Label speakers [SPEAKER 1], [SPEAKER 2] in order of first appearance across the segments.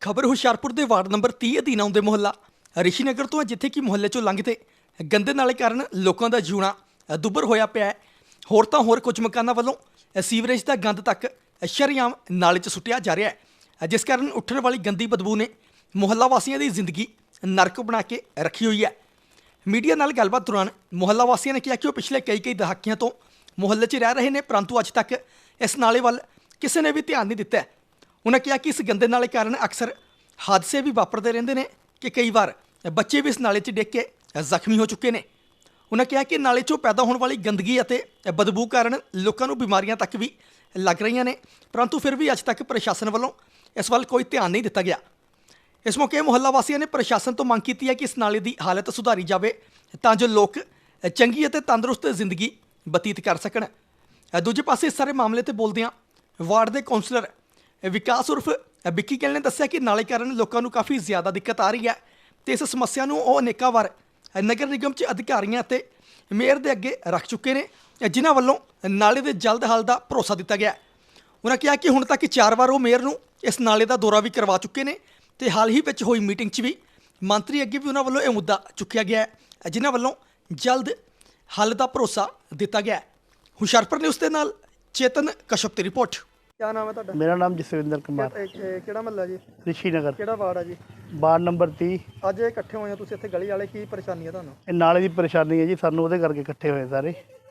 [SPEAKER 1] ਖਬਰ ਹੁਸ਼ਿਆਰਪੁਰ ਦੇ ward number 30 ਅਧੀਨ ਆਉਂਦੇ ਮੁਹੱਲਾ ਰਿਸ਼ੀ ਨਗਰ ਤੋਂ ਹੈ, ਜਿੱਥੇ ਕਿ ਮੁਹੱਲੇ ਚੋਂ ਲੰਘਦੇ ਗੰਦੇ ਨਾਲੇ ਕਾਰਨ ਲੋਕਾਂ ਦਾ ਜਿਉਣਾ ਦੁੱਭਰ ਹੋਇਆ ਪਿਆ ਹੈ। ਹੋਰ ਤਾਂ ਹੋਰ ਕੁਝ ਮਕਾਨਾਂ ਵੱਲੋਂ ਸੀਵਰੇਜ ਦਾ ਗੰਦ ਤੱਕ ਸ਼ਰੇਆਮ ਨਾਲੇ 'ਚ ਸੁੱਟਿਆ ਜਾ ਰਿਹਾ ਹੈ, ਜਿਸ ਕਾਰਨ ਉੱਠਣ ਵਾਲੀ ਗੰਦੀ ਬਦਬੂ ਨੇ ਮੁਹੱਲਾ ਵਾਸੀਆਂ ਦੀ ਜ਼ਿੰਦਗੀ ਨਰਕ ਬਣਾ ਕੇ ਰੱਖੀ ਹੋਈ ਹੈ। ਮੀਡੀਆ ਨਾਲ ਗੱਲਬਾਤ ਦੌਰਾਨ ਮੁਹੱਲਾ ਵਾਸੀਆਂ ਨੇ ਕਿਹਾ ਕਿ ਉਹ ਪਿਛਲੇ ਕਈ ਦਹਾਕਿਆਂ ਤੋਂ ਮੁਹੱਲੇ 'ਚ ਰਹਿ ਰਹੇ ਨੇ, ਪਰੰਤੂ ਅੱਜ ਤੱਕ ਇਸ ਨਾਲੇ ਵੱਲ ਕਿਸੇ ਨੇ ਵੀ ਧਿਆਨ ਨਹੀਂ ਦਿੱਤਾ। ਉਹਨਾਂ ਕਿਹਾ ਕਿ ਇਸ ਗੰਦੇ ਨਾਲੇ ਕਾਰਨ ਅਕਸਰ ਹਾਦਸੇ ਵੀ ਵਾਪਰਦੇ ਰਹਿੰਦੇ ਨੇ ਕਿ ਕਈ ਵਾਰ ਬੱਚੇ ਵੀ ਇਸ ਨਾਲੇ 'ਚ ਡਿੱਗ ਕੇ ਜ਼ਖਮੀ ਹੋ ਚੁੱਕੇ ਨੇ। ਉਹਨਾਂ ਕਿਹਾ ਕਿ ਨਾਲੇ 'ਚੋਂ ਪੈਦਾ ਹੋਣ ਵਾਲੀ ਗੰਦਗੀ ਅਤੇ ਬਦਬੂ ਕਾਰਨ ਲੋਕਾਂ ਨੂੰ ਬਿਮਾਰੀਆਂ ਤੱਕ ਵੀ ਲੱਗ ਰਹੀਆਂ ਨੇ, ਪਰੰਤੂ ਫਿਰ ਵੀ ਅੱਜ ਤੱਕ ਪ੍ਰਸ਼ਾਸਨ ਵੱਲੋਂ ਇਸ ਵੱਲ ਕੋਈ ਧਿਆਨ ਨਹੀਂ ਦਿੱਤਾ ਗਿਆ। ਇਸ ਮੌਕੇ ਮੁਹੱਲਾ ਵਾਸੀਆਂ ਨੇ ਪ੍ਰਸ਼ਾਸਨ ਤੋਂ ਮੰਗ ਕੀਤੀ ਹੈ ਕਿ ਇਸ ਨਾਲੇ ਦੀ ਹਾਲਤ ਸੁਧਾਰੀ ਜਾਵੇ ਤਾਂ ਜੋ ਲੋਕ ਚੰਗੀ ਅਤੇ ਤੰਦਰੁਸਤ ਜ਼ਿੰਦਗੀ ਬਤੀਤ ਕਰ ਸਕਣ। ਦੂਜੇ ਪਾਸੇ ਇਸ ਸਾਰੇ ਮਾਮਲੇ ਤੇ ਬੋਲਦਿਆਂ ਵਾਰਡ ਦੇ ਕੌਂਸਲਰ ਵਿਕਾਸ ਉਰਫ ਵਿੱਕੀ ਗਿੱਲ ਨੇ ਦੱਸਿਆ ਕਿ ਨਾਲੇ ਕਾਰਨ ਲੋਕਾਂ ਨੂੰ ਕਾਫੀ ਜ਼ਿਆਦਾ ਦਿੱਕਤ ਆ ਰਹੀ ਹੈ ਤੇ ਇਸ ਸਮੱਸਿਆ ਨੂੰ ਉਹ ਅਨੇਕਾਂ ਵਾਰ ਨਗਰ ਨਿਗਮ 'ਚ ਅਧਿਕਾਰੀਆਂ ਅਤੇ ਮੇਅਰ ਦੇ ਅੱਗੇ ਰੱਖ ਚੁੱਕੇ ਨੇ, ਜਿਨ੍ਹਾਂ ਵੱਲੋਂ ਨਾਲੇ ਦੇ ਜਲਦ ਹੱਲ ਦਾ ਭਰੋਸਾ ਦਿੱਤਾ ਗਿਆ। ਉਹਨਾਂ ਕਿਹਾ ਕਿ ਹੁਣ ਤੱਕ 4 ਵਾਰ ਉਹ ਮੇਅਰ ਨੂੰ ਇਸ ਨਾਲੇ ਦਾ ਦੌਰਾ ਵੀ ਕਰਵਾ ਚੁੱਕੇ ਨੇ ਤੇ ਹਾਲ ਹੀ ਵਿੱਚ ਹੋਈ ਮੀਟਿੰਗ 'ਚ ਵੀ ਮੰਤਰੀ ਅੱਗੇ ਵੀ ਉਹਨਾਂ ਵੱਲੋਂ ਇਹ ਮੁੱਦਾ ਚੁੱਕਿਆ ਗਿਆ ਹੈ, ਜਿਨ੍ਹਾਂ ਵੱਲੋਂ ਜਲਦ ਹੱਲ ਦਾ ਭਰੋਸਾ ਦਿੱਤਾ ਗਿਆ। ਹੁਸ਼ਿਆਰਪੁਰ ਨਿਊਜ਼ ਦੇ ਨਾਲ ਚੇਤਨ ਕਸ਼ਪ ਦੀ ਰਿਪੋਰਟ।
[SPEAKER 2] क्या नाम है ਤੁਹਾਡਾ?
[SPEAKER 3] मेरा नाम जसविंदर कुमार,
[SPEAKER 2] ਕਿਹੜਾ ਮਹੱਲਾ ਜੀ?
[SPEAKER 3] ਰਿਸ਼ੀ ਨਗਰ,
[SPEAKER 2] ਕਿਹੜਾ ਵਾਰਡ ਆ ਜੀ?
[SPEAKER 3] Ward number 30।
[SPEAKER 2] ਅੱਜ ਇਹ ਇਕੱਠੇ ਹੋਏ ਹੋ ਤੁਸੀਂ ਇੱਥੇ ਗਲੀ ਵਾਲੇ, ਕੀ ਪਰੇਸ਼ਾਨੀ ਹੈ ਤੁਹਾਨੂੰ?
[SPEAKER 3] ਇਹ ਨਾਲੇ ਦੀ ਪਰੇਸ਼ਾਨੀ ਹੈ ਜੀ, ਸਾਨੂੰ ਉਹਦੇ ਕਰਕੇ ਇਕੱਠੇ ਹੋਏ ਸਾਰੇ।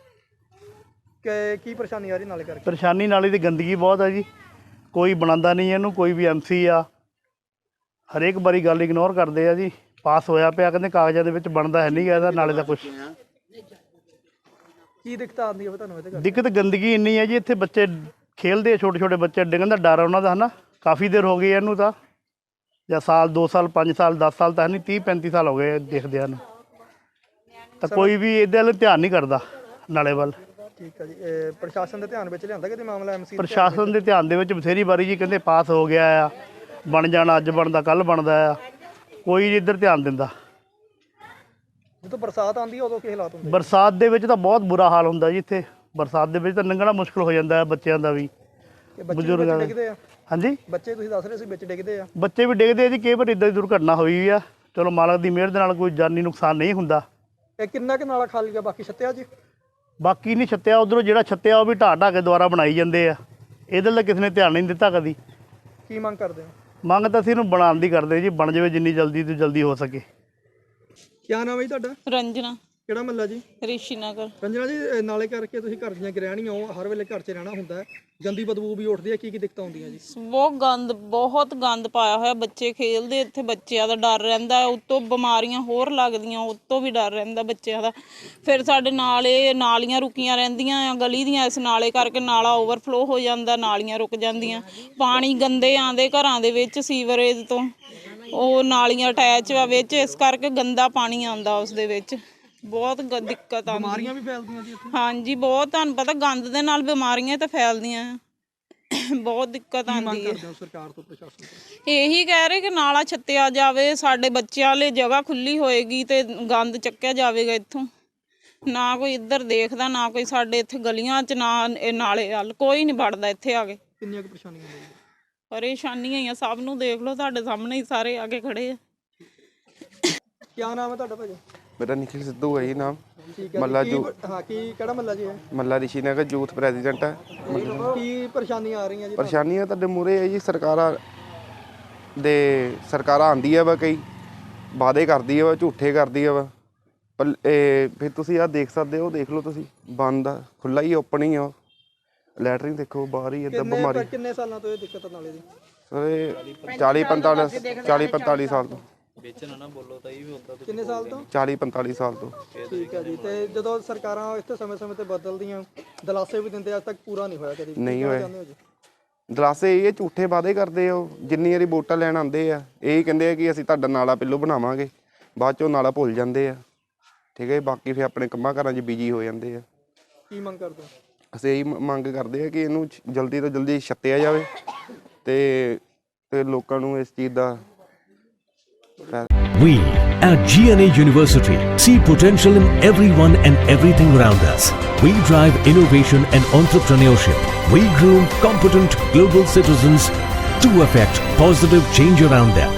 [SPEAKER 2] ਕਿ ਕੀ ਪਰੇਸ਼ਾਨੀ ਆ ਰਹੀ ਨਾਲੇ ਕਰਕੇ?
[SPEAKER 3] ਪਰੇਸ਼ਾਨੀ ਨਾਲੇ ਦੀ ਗੰਦਗੀ ਬਹੁਤ ਹੈ ਜੀ, ਕੋਈ ਬਣਾਉਂਦਾ ਨਹੀਂ ਇਹਨੂੰ, ਕੋਈ ਵੀ ਐਮਸੀ ਆ ਹਰੇਕ ਵਾਰੀ ਗੱਲ ਇਗਨੋਰ ਕਰਦੇ ਆ ਜੀ। ਪਾਸ ਹੋਇਆ ਪਿਆ, ਕਹਿੰਦੇ ਕਾਗਜ਼ਾਂ ਦੇ ਵਿੱਚ ਬਣਦਾ ਹੈ ਨਹੀਂ ਗਾ ਇਹਦਾ ਨਾਲੇ ਦਾ ਕੁਝ।
[SPEAKER 2] ਕੀ ਦਿੱਕਤ ਆਉਂਦੀ ਹੈ ਤੁਹਾਨੂੰ ਇਹਦੇ ਕਰਕੇ?
[SPEAKER 3] ਦਿੱਕਤ ਗੰਦਗੀ ਇੰਨੀ ਹੈ ਜੀ, ਇੱਥੇ ਬੱਚੇ ਖੇਲਦੇ ਆ, ਛੋਟੇ ਬੱਚੇ ਡਿੱਗਣ ਦਾ ਡਰ ਆ ਉਹਨਾਂ ਦਾ, ਹੈ ਨਾ। ਕਾਫੀ ਦੇਰ ਹੋ ਗਈ ਇਹਨੂੰ ਤਾਂ, ਜਾਂ ਸਾਲ 2 ਸਾਲ 5 ਸਾਲ 10 ਸਾਲ ਤਾਂ ਨਹੀਂ, 30-35 ਸਾਲ ਹੋ ਗਏ ਦੇਖਦਿਆਂ ਨੂੰ, ਤਾਂ ਕੋਈ ਵੀ ਇਹਦੇ ਵੱਲ ਧਿਆਨ ਨਹੀਂ ਕਰਦਾ ਨਾਲੇ ਵੱਲ।
[SPEAKER 2] ਠੀਕ ਹੈ ਜੀ, ਪ੍ਰਸ਼ਾਸਨ ਦੇ ਧਿਆਨ ਵਿੱਚ ਲਿਆਂਦਾ ਕਿਤੇ ਮਾਮਲਾ? ਐਮਸੀ
[SPEAKER 3] ਪ੍ਰਸ਼ਾਸਨ ਦੇ ਧਿਆਨ ਦੇ ਵਿੱਚ ਬਥੇਰੀ ਵਾਰੀ ਜੀ ਕਹਿੰਦੇ ਪਾਸ ਹੋ ਗਿਆ ਆ, ਬਣ ਜਾਣਾ, ਅੱਜ ਬਣਦਾ ਕੱਲ ਬਣਦਾ ਆ, ਕੋਈ ਇੱਧਰ ਧਿਆਨ ਦਿੰਦਾ।
[SPEAKER 2] ਜਦੋਂ ਬਰਸਾਤ ਆਉਂਦੀ ਹੈ ਉਦੋਂ ਕੀ ਹਾਲਾਤ ਹੁੰਦੇ?
[SPEAKER 3] ਬਰਸਾਤ ਦੇ ਵਿੱਚ ਤਾਂ ਬਹੁਤ ਬੁਰਾ ਹਾਲ ਹੁੰਦਾ ਜੀ ਇੱਥੇ, ਬਰਸਾਤ ਦੇ ਵਿੱਚ ਤਾਂ ਲੰਘਣਾ ਮੁਸ਼ਕਲ ਹੋ ਜਾਂਦਾ ਹੈ ਬੱਚਿਆਂ ਦਾ ਵੀ, ਬਜ਼ੁਰਗਾਂ ਦਾ।
[SPEAKER 2] ਡਿੱਗਦੇ ਆ?
[SPEAKER 3] ਹਾਂਜੀ,
[SPEAKER 2] ਬੱਚੇ ਤੁਸੀਂ ਦੱਸ ਰਹੇ ਸੀ ਵਿੱਚ ਡਿੱਗਦੇ ਆ?
[SPEAKER 3] ਬੱਚੇ ਵੀ ਡਿੱਗਦੇ ਆ ਜੀ, ਕਈ ਵਾਰ ਇੱਦਾਂ ਦੀ ਦੁਰਘਟਨਾ ਹੋਈ ਆ, ਚਲੋ ਮਾਲਕ ਦੀ ਮਿਹਰ ਦੇ ਨਾਲ ਕੋਈ ਜਾਨੀ ਨੁਕਸਾਨ ਨਹੀਂ ਹੁੰਦਾ।
[SPEAKER 2] ਇਹ ਕਿੰਨਾ ਕੁ ਨਾਲਾ ਖਾਲੀ ਗਿਆ, ਬਾਕੀ ਛੱਤਿਆ ਜੀ?
[SPEAKER 3] ਬਾਕੀ ਨਹੀਂ ਛੱਤਿਆ, ਉਧਰੋਂ ਜਿਹੜਾ ਛੱਤਿਆ ਉਹ ਵੀ ਢਾਹ ਕੇ ਦੁਬਾਰਾ ਬਣਾਈ ਜਾਂਦੇ ਆ, ਇਹਦੇ ਲਈ ਕਿਸੇ ਨੇ ਧਿਆਨ ਨਹੀਂ ਦਿੱਤਾ ਕਦੀ।
[SPEAKER 2] ਕੀ ਮੰਗ ਕਰਦੇ ਹੋ?
[SPEAKER 3] ਮੰਗ ਤਾਂ ਅਸੀਂ ਇਹਨੂੰ ਬਣਾਉਣ ਦੀ ਕਰਦੇ ਜੀ, ਬਣ ਜਾਵੇ ਜਿੰਨੀ ਜਲਦੀ ਤੋਂ ਜਲਦੀ ਹੋ ਸਕੇ।
[SPEAKER 2] ਕੀ ਨਾਮ ਹੈ ਜੀ ਤੁਹਾਡਾ?
[SPEAKER 4] ਰੰਜਨਾ,
[SPEAKER 2] ਕਿਹੜਾ ਮਹੱਲਾ ਜੀ?
[SPEAKER 4] ਰਿਸ਼ੀ ਨਗਰ।
[SPEAKER 2] ਰੰਜਨਾ ਜੀ, ਨਾਲੇ ਕਰਕੇ ਤੁਸੀਂ ਘਰ ਦੀਆਂ ਗ੍ਰਹਿਣੀਆਂ ਹੋ, ਹਰ ਵੇਲੇ ਘਰ 'ਚ ਰਹਿਣਾ ਹੁੰਦਾ ਹੈ, ਗੰਦੀ ਬਦਬੂ ਵੀ ਉੱਠਦੀ ਹੈ, ਕੀ ਦਿੱਕਤਾਂ ਆਉਂਦੀਆਂ ਜੀ?
[SPEAKER 4] ਬਹੁਤ ਗੰਦ ਪਾਇਆ ਹੋਇਆ, ਬੱਚੇ ਖੇਲਦੇ ਇੱਥੇ, ਬੱਚਿਆਂ ਦਾ ਡਰ ਰਹਿੰਦਾ, ਉੱਤੋਂ ਬਿਮਾਰੀਆਂ ਹੋਰ ਲੱਗਦੀਆਂ, ਉੱਤੋਂ ਵੀ ਡਰ ਰਹਿੰਦਾ ਬੱਚਿਆਂ ਦਾ। ਫਿਰ ਸਾਡੇ ਨਾਲੀਆਂ ਰੁਕੀਆਂ ਰਹਿੰਦੀਆਂ ਆ ਗਲੀ ਦੀਆਂ, ਇਸ ਨਾਲੇ ਕਰਕੇ ਨਾਲਾ ਓਵਰਫਲੋ ਹੋ ਜਾਂਦਾ, ਨਾਲੀਆਂ ਰੁਕ ਜਾਂਦੀਆਂ, ਪਾਣੀ ਗੰਦੇ ਆਉਂਦੇ ਘਰਾਂ ਦੇ ਵਿੱਚ ਸੀਵਰੇਜ ਤੋਂ, ਉਹ ਨਾਲੀਆਂ ਅਟੈਚ ਆ ਵਿੱਚ, ਇਸ ਕਰਕੇ ਗੰਦਾ ਪਾਣੀ ਆਉਂਦਾ ਉਸ ਦੇ ਵਿੱਚ, ਬਹੁਤ ਦਿੱਕਤ ਆਉਂਦੀ।
[SPEAKER 2] ਬਿਮਾਰੀਆਂ ਵੀ ਫੈਲਦੀਆਂ ਜੀ ਇੱਥੇ?
[SPEAKER 4] ਹਾਂਜੀ ਬਹੁਤ, ਤੁਹਾਨੂੰ ਪਤਾ ਗੰਦ ਦੇ ਨਾਲ ਬਿਮਾਰੀਆਂ ਤਾਂ ਫੈਲਦੀਆਂ ਆ, ਬਹੁਤ ਦਿੱਕਤ ਆਉਂਦੀ ਹੈ।
[SPEAKER 2] ਸਰਕਾਰ ਤੋਂ, ਪ੍ਰਸ਼ਾਸਨ ਤੋਂ
[SPEAKER 4] ਇਹੀ ਕਹਿ ਰਹੇ ਕਿ ਨਾਲਾ ਛੱਤਿਆ ਜਾਵੇ, ਸਾਡੇ ਬੱਚਿਆਂ ਲਈ ਜਗ੍ਹਾ ਖੁੱਲੀ ਹੋਏਗੀ ਤੇ ਗੰਦ ਚੱਕਿਆ ਜਾਵੇਗਾ ਇੱਥੋਂ। ਨਾ ਕੋਈ ਇੱਧਰ ਦੇਖਦਾ, ਨਾ ਕੋਈ ਸਾਡੇ ਇੱਥੇ ਗਲੀਆਂ 'ਚ, ਨਾ ਇਹ ਨਾਲੇ ਵੱਲ ਕੋਈ ਨਹੀਂ ਵੜਦਾ ਇੱਥੇ ਆ ਕੇ।
[SPEAKER 2] ਕਿੰਨੀਆਂ ਕੁ ਪਰੇਸ਼ਾਨੀਆਂ ਆਉਂਦੀਆਂ?
[SPEAKER 4] ਪਰੇਸ਼ਾਨੀਆਂ ਹੀ ਆ, ਸਭ ਨੂੰ ਦੇਖ ਲਓ, ਤੁਹਾਡੇ ਸਾਹਮਣੇ ਹੀ ਸਾਰੇ ਆ ਕੇ ਖੜੇ ਆ।
[SPEAKER 2] ਕੀ ਨਾਮ ਹੈ ਤੁਹਾਡਾ ਭਾਜੀ?
[SPEAKER 5] मेरा निखिल सिद्धू है जी नाम।
[SPEAKER 2] ਠੀਕ ਹੈ
[SPEAKER 5] ਮੱਲਾ
[SPEAKER 2] ਜੀ, ਹਾਂ ਕੀ ਕਿਹੜਾ ਮਹੱਲਾ ਜੀ ਹੈ?
[SPEAKER 5] ਮੱਲਾ ਰਿਸ਼ੀ ਨਗਰ ਯੂਥ ਪ੍ਰੈਜ਼ੀਡੈਂਟ ਹੈ।
[SPEAKER 2] ਕੀ ਪਰੇਸ਼ਾਨੀਆਂ ਆ ਰਹੀਆਂ ਜੀ?
[SPEAKER 5] ਪਰੇਸ਼ਾਨੀਆਂ ਤੁਹਾਡੇ ਮੂਹਰੇ ਹੈ ਜੀ, ਸਰਕਾਰਾਂ ਆਉਂਦੀ ਹੈ ਵਾ, ਕਈ ਵਾਅਦੇ ਕਰਦੀ ਹੈ ਵਾ, ਝੂਠੇ ਕਰਦੀ ਹੈ ਵਾ, ਪਰ ਫਿਰ ਤੁਸੀਂ ਆਹ ਦੇਖ ਸਕਦੇ ਹੋ, ਦੇਖ ਲਓ ਤੁਸੀਂ, ਬੰਦ ਆ, ਖੁੱਲ੍ਹਾ ਹੀ ਓਪਨ ਹੀ ਆ, ਲੈਟਰਿੰਗ ਦੇਖੋ ਬਾਹਰ ਹੀ, ਇੱਦਾਂ ਬਿਮਾਰੀ।
[SPEAKER 2] ਕਿੰਨੇ ਸਾਲਾਂ ਤੋਂ ਇਹ ਦਿੱਕਤ ਨਾਲੇ ਦੀ?
[SPEAKER 5] ਸਰ 40-45 ਸਾਲ ਤੋਂ।
[SPEAKER 2] ਕਿੰਨੇ ਸਾਲ ਤੋਂ?
[SPEAKER 5] 40-45 ਸਾਲ ਤੋਂ।
[SPEAKER 2] ਠੀਕ ਹੈ ਜੀ, ਤੇ ਜਦੋਂ ਸਰਕਾਰਾਂ ਇੱਥੇ ਸਮੇਂ-ਸਮੇਂ ਤੇ ਬਦਲਦੀਆਂ, ਦਲਾਸੇ ਵੀ ਦਿੰਦੇ, ਅੱਜ ਤੱਕ ਪੂਰਾ ਨਹੀਂ ਹੋਇਆ ਕਦੀ?
[SPEAKER 5] ਨਹੀਂ ਹੋਇਆ ਦਲਾਸੇ, ਇਹ ਝੂਠੇ ਵਾਅਦੇ ਕਰਦੇ ਆ। ਜਿੰਨੀ ਵਾਰੀ ਵੋਟਾਂ ਲੈਣ ਆਉਂਦੇ ਆ, ਇਹ ਕਹਿੰਦੇ ਆ ਕਿ ਅਸੀਂ ਤੁਹਾਡਾ ਨਾਲਾ ਪਹਿਲੋਂ ਬਣਾਵਾਂਗੇ, ਬਾਅਦ 'ਚੋਂ ਨਾਲਾ ਭੁੱਲ ਜਾਂਦੇ ਆ, ਠੀਕ ਹੈ। ਬਾਕੀ ਫਿਰ ਆਪਣੇ ਕੰਮਾਂ ਕਾਰਾਂ 'ਚ ਬਿਜੀ ਹੋ ਜਾਂਦੇ ਆ।
[SPEAKER 2] ਕੀ ਮੰਗ ਕਰਦੇ ਹੋ?
[SPEAKER 5] ਅਸੀਂ ਇਹੀ ਮੰਗ ਕਰਦੇ ਆ ਕਿ ਇਹਨੂੰ ਜਲਦੀ ਤੋਂ ਜਲਦੀ ਛੱਤਿਆ ਜਾਵੇ ਤੇ ਲੋਕਾਂ ਨੂੰ ਇਸ ਚੀਜ਼ ਦਾ।
[SPEAKER 6] We at GNA University see potential in everyone and everything around us. We drive innovation and entrepreneurship. We groom competent global citizens to effect positive change around them.